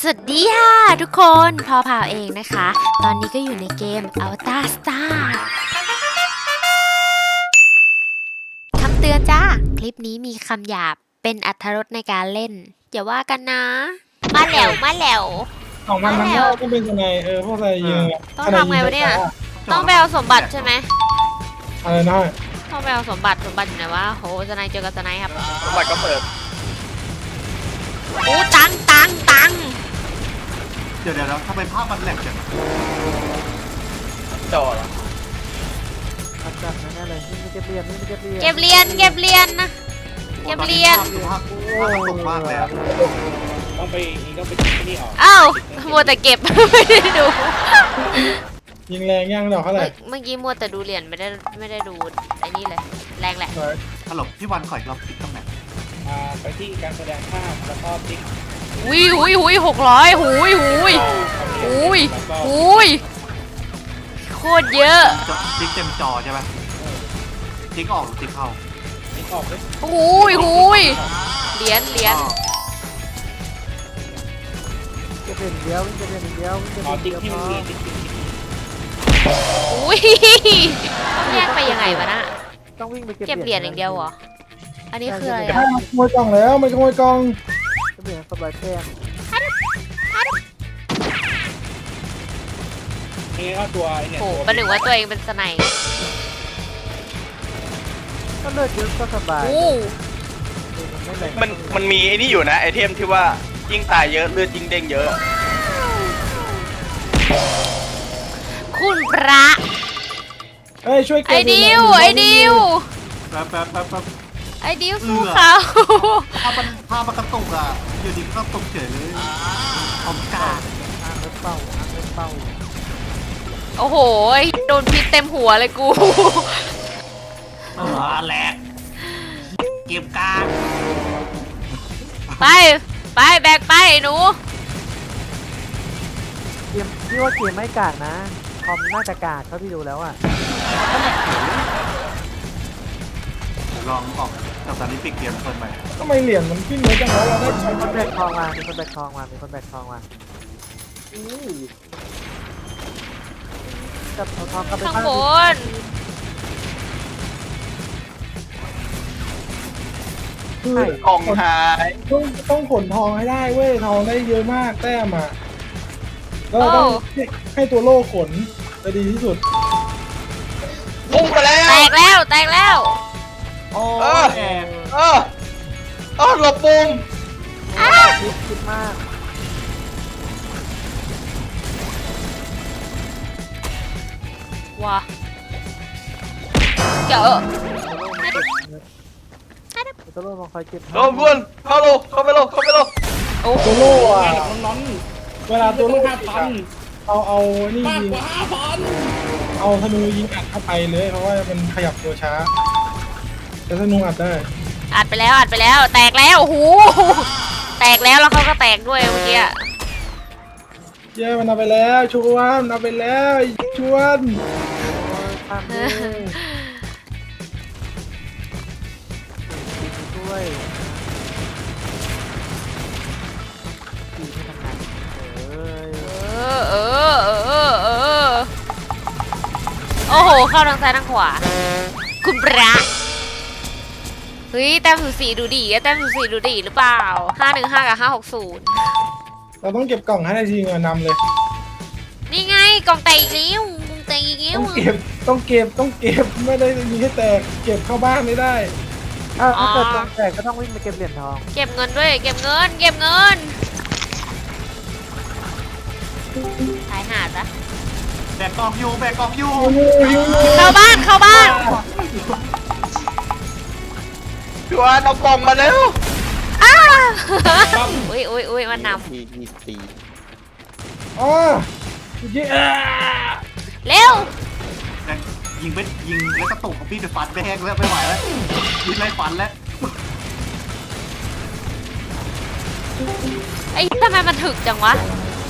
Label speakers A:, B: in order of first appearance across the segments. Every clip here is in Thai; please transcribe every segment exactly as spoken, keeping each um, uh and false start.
A: สวัสดีค่ะทุกคนพอพาวเองนะคะ ตอนนี้ก็อยู่ในเกม Avatar Star คำเตือนจ้า คลิปนี้มีคำหยาบเป็นอรรถรสในการเล่นอย่าว่ากันนะ มาแหลวมาแหลว
B: ของมันมันก็ต้องเป็นยังไงเออพวกอะไรยิง
A: ต้องทำไงวะเนี่ย ต้องไปเอาสมบัติใช่ไหม
B: อะไรนะ
A: ต้องไปเอาสมบัติสมบัติอยู่ไหนวะโหสไนเจอกับสไนครับ
C: สมบัติก็เปิด
A: โอ้ตังตังตัง
D: เดี๋ยวเดี๋ยวทำไมภาพมันแหลกจัง
C: จอเหรอ
E: อัดจัดแน่ๆเลยนี่ไม่เก็บเหรียญนี่ไม่เก็บเหรียญ
A: เก็บเหรียญเก็บเหรียญนะ เก็บเหรียญ
D: ภาพภาพตกมากเลยอะ
C: ต้องไปนี่ต้องไปที่นี่ออก
A: อ้าวมัวแต่เก็บ ไม่ได้ดู
B: ยิงแรงย่างดอกเท่าไหร่
A: เมื่อกี้มัวแต่ดูเหรียญไม่ได้ไม่ได้ดูไอ้นี่เลยแรงแหละ
D: ตลกพี่วันขอยเราปิดตรงไหน
C: อ่าไปที่การแสดงภาพแล้วก็ติ๊ก
A: หุยหุยหุยหกร้อยหุยหุยหุยหุยโคตรเยอะ
D: จอติ๊กเต็มจอใช่ไหมติ๊กออกหรือติ๊กเข้า
C: ติ๊กออกด้วย
A: หุยหุยเหรียญเหรียญ
E: เก็บเหรียญเดียววิ่งเก็บเหรียญเดียววิ่งเก็บเห
C: อ๋อ
E: รียญ
C: ติ๊
E: เดี
C: ก
E: ยว
C: ที่
E: พ
C: มัน
E: อ
C: มีติ๊กติ๊ก
A: หุยต้องแยกไปยังไงวะน่ะ
E: ต้องวิ่งไปเก็บ
A: เก็บเหรียญอย่างเดียวเหรออันนี้คืออะไร
B: ถ้า
A: อะ
B: มันขโมยกล่องแล้วมันขโมยกล่อง
E: เก็บเหรียญสบายแก้ม
C: นี่ก็ตัวไอ้เนี่ย
A: โอ้
C: ตัว
A: ประหนึ่งว่าตัวเองเป็นสไนป์
E: ก็เลือดเยอะก็สบาย
A: โอ้
E: ไม่แรง
F: มันมันมีไอ้นี่อยู่นะไอเทมที่ว่ายิ่งตายเยอะเลือดยิ่งเด้งเยอะ
A: คุณพระ
B: เอ้ยช่วยเก็บ
A: ไอ้ดิวไอ้ดิว
D: แป๊บแป๊บแป๊บแป๊บ
A: ไอ้ดิวสู้เขา
D: ภาพมันภาพมันกระตุกอ่ะอยู่ดีก็ตกเฉยเลยเอากาด
E: อ้างเล็บเป้าอ้างเล็บเป้า
A: โอ้โหโดนพิษเต็มหัวเลยกู
D: เออแหลกเก็บกาด
A: ไปไปแบกไปหนู
E: เกมพี่ว่าเกมไม่กากนะคอมน่าจะกากเท่าที่ดูแล้วอ่ะ
D: ลองออกจากตอนนี้ปิดเกมเปิดใหม่
B: ทำไมเหรียญมันขึ้นเยอะจังวะเราได้ใช้
E: มีคนแบกทองมามีคนแบกทองมามีคนแบกทองมาจับเอาทองกลับไป
A: ข้าง
E: บ้าน
A: บน
B: คือก
F: ล่องหาย
B: ต้องต้องขนทองให้ได้เว้ยทองได้เยอะมากแต้มอ่ะแล้วเราต้องให้ให้ตัวโล่ขนจะดีที่สุด
F: พุ่งไปแล้ว
A: แตกแล้วแตกแล้ว
D: โอ้
F: เออ
D: แอบ
F: เออเออหลบปุ่ม
E: คิดคิดมาก
A: ว้าเจอ
E: ตัวโลมาคอยเก็บ
F: โดนเพื่อนเข้าโลเข้าไปโลเข้าไปโล
A: โอ้โห
B: ตัวโล่อะ
C: งานแบบน้อน
B: เวลา
C: ๆ
B: ตัวโล่
C: ห้าพัน
B: เอาเอานี่
C: มาก
B: ยิง
C: กว่าห้าพัน
B: เอาธนูยิงอัดเข้าไปเลยเพราะว่ามันขยับตัวช้าแต่ธนูอัดได้
A: อัดไปแล้วอัดไปแล้ว แตกแล้วโอ้โหแตกแล้วแล้วเขาก็แตกด้วยเมื่อกี้
B: เย้มันเอาไปแล้วชวนเอาไปแล้วไอ้ชวน
E: ทำเลยด้วยดีไม่ทำงานเอ้ย
A: เออเออเออเออโอ้โหเข้าทางซ้ายทางขวาคุณพระเฮ้ยแต้มสูสีดูดีอะแต้มสูสีดูดีหรือเปล่าห้าหนึ่งห้ากับห้าหกศูนย์
B: เราต้องเก็บกล่องให้ได้ทีเงินนำเลย
A: นี่ไงกล่องแตกอีกแล้วกล่องแตกอีกแล้ว
B: ต้องเก็บต้องเก็บต้องเก็บไม่ได้มีแค่แตกเก็บเข้าบ้านไม่ได้
E: ถ้าถ้าเกิดตรงแตกก็ต้องวิ่งไปเก็บเหรียญทอง
A: เก็บเงินด้วยเก็บเงินเก็บเงินตายหาดปะ
D: แบกกล่องอยู่แบกกล่องอยู่
A: เข้าบ้านเข้าบ้าน
F: พี่วานเอากล่องมาแล้ว
A: อ้าอุ้ยอุ้ยอุ้ยมันน
F: ทีทีตี
B: อ๋อยิงอ่า
A: ำเร็ว
D: แบกยิงไปยิงแล้วกระตุกของพี่จะฟันไปแหกแล้วไม่ไหวแล้วยิงไล่ฟันแล้ว
A: ไอ้ทำไมมันถึกจังวะ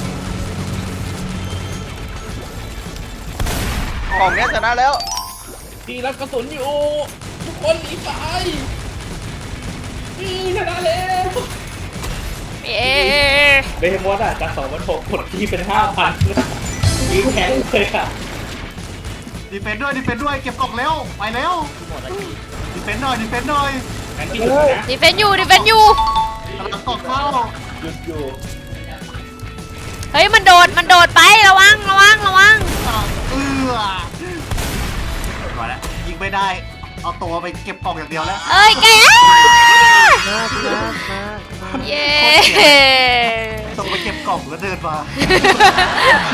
F: กล่องเนี้ยชนะแล้ว
C: พี่รับกระสุนอยู่ทุกคนหนีไปพี่ชนะแล้ว
A: เย้
C: เบย์มอสอ่ะจากสองพันหกกดที่เป็นห้าพันยิงแข็งเลยค่ะ
D: ดีเฟนด้วยดีเฟนด้วยเก็บกล่องเร็วไปเร็วดีเฟนหน่อยดีเฟนหน่อย
C: งั้นพี่หยุดนะ
A: ดิเฟนอยู่ดิเฟนอยู่
D: กำลังกล่องเข้า
C: หยุดอยู่
A: เฮ้ยมันโดดมันโดดไประวังระวังระวัง
D: เออมาแล้วยิงไม่ได้เอาตัวไปเก็บกล่องอย่างเดียวแล้ว
A: เอ้ยแกอ้า
E: มามามามา
A: เย้
D: ส่งไปเก็บกล่องแล้วเดินมา